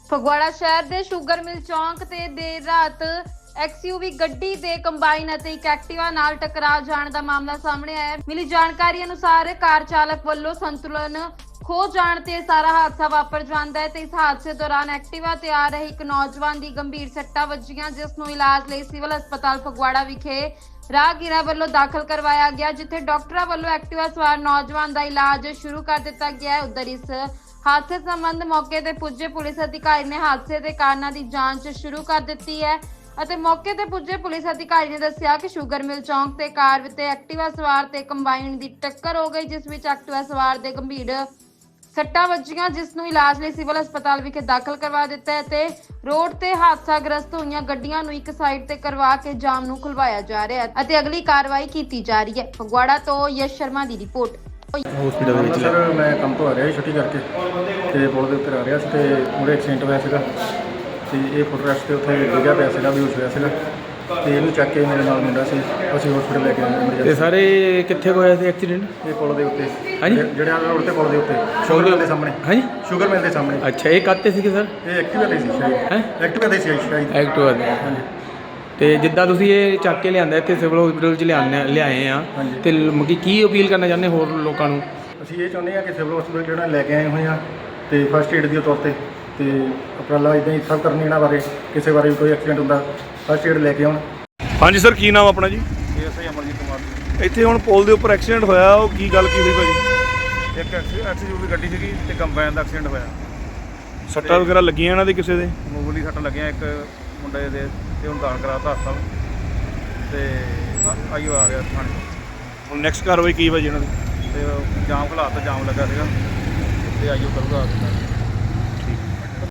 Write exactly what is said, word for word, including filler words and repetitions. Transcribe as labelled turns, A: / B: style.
A: ਫਗਵਾੜਾ ਸ਼ਹਿਰ ਦੇ sugar mill ਚੌਂਕ ਤੇ ਦੇਰ ਰਾਤ ਐਕਸਯੂਵੀ ਗੱਡੀ ਦੇ ਕੰਬਾਈਨ ਅਤੇ ਇੱਕ ਐਕਟਿਵਾ ਨਾਲ ਟਕਰਾ ਜਾਣ ਦਾ ਮਾਮਲਾ ਸਾਹਮਣੇ ਆਇਆ ਹੈ। ਮਿਲੀ ਜਾਣਕਾਰੀ ਅਨੁਸਾਰ ਕਾਰ ਚਾਲਕ ਵੱਲੋਂ ਸੰਤੁਲਨ ਖੋ ਜਾਣ ਤੇ ਸਾਰਾ ਹਾਦਸਾ ਵਾਪਰ ਜਾਂਦਾ ਹੈ ਤੇ ਇਸ ਹਾਦਸੇ ਦੌਰਾਨ ਐਕਟਿਵਾ ਤੇ ਆ ਰਹੇ ਇੱਕ ਨੌਜਵਾਨ ਦੀ ਗੰਭੀਰ ਸੱਟਾਂ ਵੱਜੀਆਂ, ਜਿਸ ਨੂੰ ਇਲਾਜ ਲਈ ਸਿਵਲ ਹਸਪਤਾਲ ਫਗਵਾੜਾ ਵਿਖੇ ਰਾਹਗੀਰਾਂ ਵੱਲੋਂ ਦਾਖਲ ਕਰਵਾਇਆ ਗਿਆ, ਜਿੱਥੇ ਡਾਕਟਰਾਂ ਵੱਲੋਂ ਐਕਟਿਵਾ ਸਵਾਰ ਨੌਜਵਾਨ ਦਾ ਇਲਾਜ ਸ਼ੁਰੂ ਕਰ ਦਿੱਤਾ ਗਿਆ ਹੈ। ਉਧਰ ਇਸ ਹਾਦਸੇ ਸੰਬੰਧ ਮੌਕੇ ਤੇ ਪੁੱਜੇ ਪੁਲਿਸ ਅਧਿਕਾਰੀ ਨੇ ਹਾਦਸੇ ਦੇ ਕਾਰਨਾਂ ਦੀ ਜਾਂਚ ਸ਼ੁਰੂ ਕਰ ਦਿੱਤੀ ਹੈ ਅਤੇ ਮੌਕੇ ਤੇ ਪੁੱਜੇ ਪੁਲਿਸ ਅਧਿਕਾਰੀ ਨੇ ਦੱਸਿਆ ਕਿ ਸ਼ੂਗਰ ਮਿਲ ਚੌਂਕ ਤੇ ਕਾਰ ਤੇ ਐਕਟਿਵਾ ਸਵਾਰ ਤੇ ਕੰਬਾਈਨ ਦੀ ਟੱਕਰ ਹੋ ਗਈ, ਜਿਸ ਵਿੱਚ ਐਕਟਿਵਾ ਸਵਾਰ ਦੇ ਗੰਭੀਰ ਸੱਟਾਂ ਵੱਜੀਆਂ, ਜਿਸ ਨੂੰ ਇਲਾਜ ਲਈ ਸਿਵਲ ਹਸਪਤਾਲ ਵਿਖੇ ਦਾਖਲ ਕਰਵਾ ਦਿੱਤਾ ਹੈ ਤੇ ਰੋਡ ਤੇ ਹਾਦਸਾਗ੍ਰਸਤ ਹੋਈਆਂ ਗੱਡੀਆਂ ਨੂੰ ਇੱਕ ਸਾਈਡ ਤੇ ਕਰਵਾ ਕੇ ਜਾਮ ਨੂੰ ਖੁਲਵਾਇਆ ਜਾ ਰਿਹਾ ਹੈ ਅਤੇ ਅਗਲੀ ਕਾਰਵਾਈ ਕੀਤੀ ਜਾ ਰਹੀ ਹੈ। ਫਗਵਾੜਾ ਤੋਂ ਯਸ਼ ਸ਼ਰਮਾ ਦੀ ਰਿਪੋਰਟ।
B: ਹਸਪੀਟਲ ਦੇ ਵਿੱਚ ਸਰ ਮੈਂ ਕੰਮ ਤੋਂ ਆ ਰਿਹਾ ਸੀ ਛੁੱਟੀ ਕਰਕੇ ਤੇ ਪੁਲ ਦੇ ਉੱਤੇ ਆ ਰਿਹਾ ਸੀ ਤੇ ਉਹਦੇ ਐਕਸੀਡੈਂਟ ਹੋਇਆ ਸੀਗਾ ਤੇ ਇਹ ਫੁੱਟਰੈਸਟ ਤੇ ਉੱਥੇ ਡਿੱਗਿਆ ਪਿਆ ਸੀਗਾ, ਬੇਹੋਸ਼ ਹੋਇਆ ਸੀਗਾ ਤੇ ਇਹਨੂੰ ਚੱਕ ਕੇ ਮੇਰੇ ਨਾਲ ਮੁੰਡਾ ਸੀ, ਅਸੀਂ ਹਸਪੀਟਲ ਲੈ ਕੇ ਆਏ।
C: ਤੇ ਸਾਰੇ ਕਿੱਥੇ ਹੋਇਆ ਸੀ ਐਕਸੀਡੈਂਟ?
B: ਇਹ ਪੁਲ ਦੇ ਉੱਤੇ,
C: ਹਾਂਜੀ
B: ਜਿਹੜੇ ਆ ਰੋਡ ਤੇ ਪੁਲ ਦੇ ਉੱਤੇ ਸ਼ੂਗਰ ਮਿਲ ਦੇ ਸਾਹਮਣੇ।
C: ਹਾਂਜੀ
B: ਸ਼ੂਗਰ ਮਿਲ ਦੇ ਸਾਹਮਣੇ।
C: ਅੱਛਾ, ਇਹ ਕਾਹਤੇ ਸੀਗੇ ਸਰ?
B: ਇਹ ਐਕਟਿਵਾ ਤੇ ਸੀ ਸ਼ਾਇਦ।
C: ਹੈ
B: ਐਕਟਿਵਾ ਤੇ ਸੀ ਸ਼ਾਇਦ।
C: ਐਕਟਿਵਾ ਤੇ।
B: ਹਾਂਜੀ।
C: ਤੇ ਜਿੱਦਾਂ ਤੁਸੀਂ ਇਹ ਚੱਕ ਕੇ ਲਿਆਂਦਾ ਇੱਥੇ ਸਿਵਲ ਹਸਪੀਟਲ 'ਚ ਲਿਆਉਂਦੇ ਲਿਆਏ ਆ ਤੇ ਮਗੀ ਕੀ ਅਪੀਲ ਕਰਨਾ ਚਾਹੁੰਦੇ ਹੋਰ ਲੋਕਾਂ ਨੂੰ?
B: ਅਸੀਂ ਇਹ ਚਾਹੁੰਦੇ ਹਾਂ ਕਿ ਸਿਵਲ ਹਸਪੀਟਲ ਜਿਹੜਾ ਲੈ ਕੇ ਆਏ ਹੋਏ ਆ ਤੇ ਫਸਟ ਏਡ ਦੇ ਤੌਰ ਤੇ ਤੇ ਉਪਰਾਲਾ ਇੱਦਾਂ ਹੀ ਸਭ ਕਰਨੀ ਇਹਨਾਂ ਬਾਰੇ, ਕਿਸੇ ਬਾਰੇ ਵੀ ਕੋਈ ਐਕਸੀਡੈਂਟ ਹੁੰਦਾ ਫਸਟ ਏਡ ਲੈ ਕੇ ਆਉਣ।
D: ਹਾਂਜੀ ਸਰ, ਕੀ ਨਾਮ ਆਪਣਾ ਜੀ?
B: ਇਹ ਅਸੀਂ ਅਮਰਜੀਤ ਕੁਮਾਰ ਜੀ।
D: ਇੱਥੇ ਹੁਣ ਪੁਲ ਦੇ ਉੱਪਰ ਐਕਸੀਡੈਂਟ ਹੋਇਆ, ਉਹ ਕੀ ਗੱਲ ਕੀ ਹੋਈ ਭਾਜੀ?
B: ਇੱਕ ਐਕਸਯੂਵੀ ਗੱਡੀ ਸੀਗੀ ਤੇ ਕੰਬਾਈਨ ਦਾ ਐਕਸੀਡੈਂਟ ਹੋਇਆ।
D: ਸੱਟਾਂ ਵਗੈਰਾ ਲੱਗੀਆਂ ਇਹਨਾਂ ਦੇ ਕਿਸੇ ਦੇ?
B: ਮਾਮੂਲੀ ਸੱਟ ਲੱਗੀਆਂ ਇੱਕ ਮੁੰਡੇ ਦੇ ਤੇ ਹੁਣ ਦਾਖਲ ਕਰਾਤਾ ਹਸਪਤਾਲ ਤੇ ਆਈਓ ਆ ਰਿਹਾ ਥਾਣੇ।
D: ਹੁਣ ਨੈਕਸਟ ਕਾਰਵਾਈ ਕੀ ਭਾਜੀ ਇਹਨਾਂ ਦੀ?
B: ਤੇ ਜਾਮ ਖਲਾਤਾ, ਜਾਮ ਲੱਗਾ ਸੀਗਾ ਤੇ ਆਈਓ ਕਰੂਗਾ।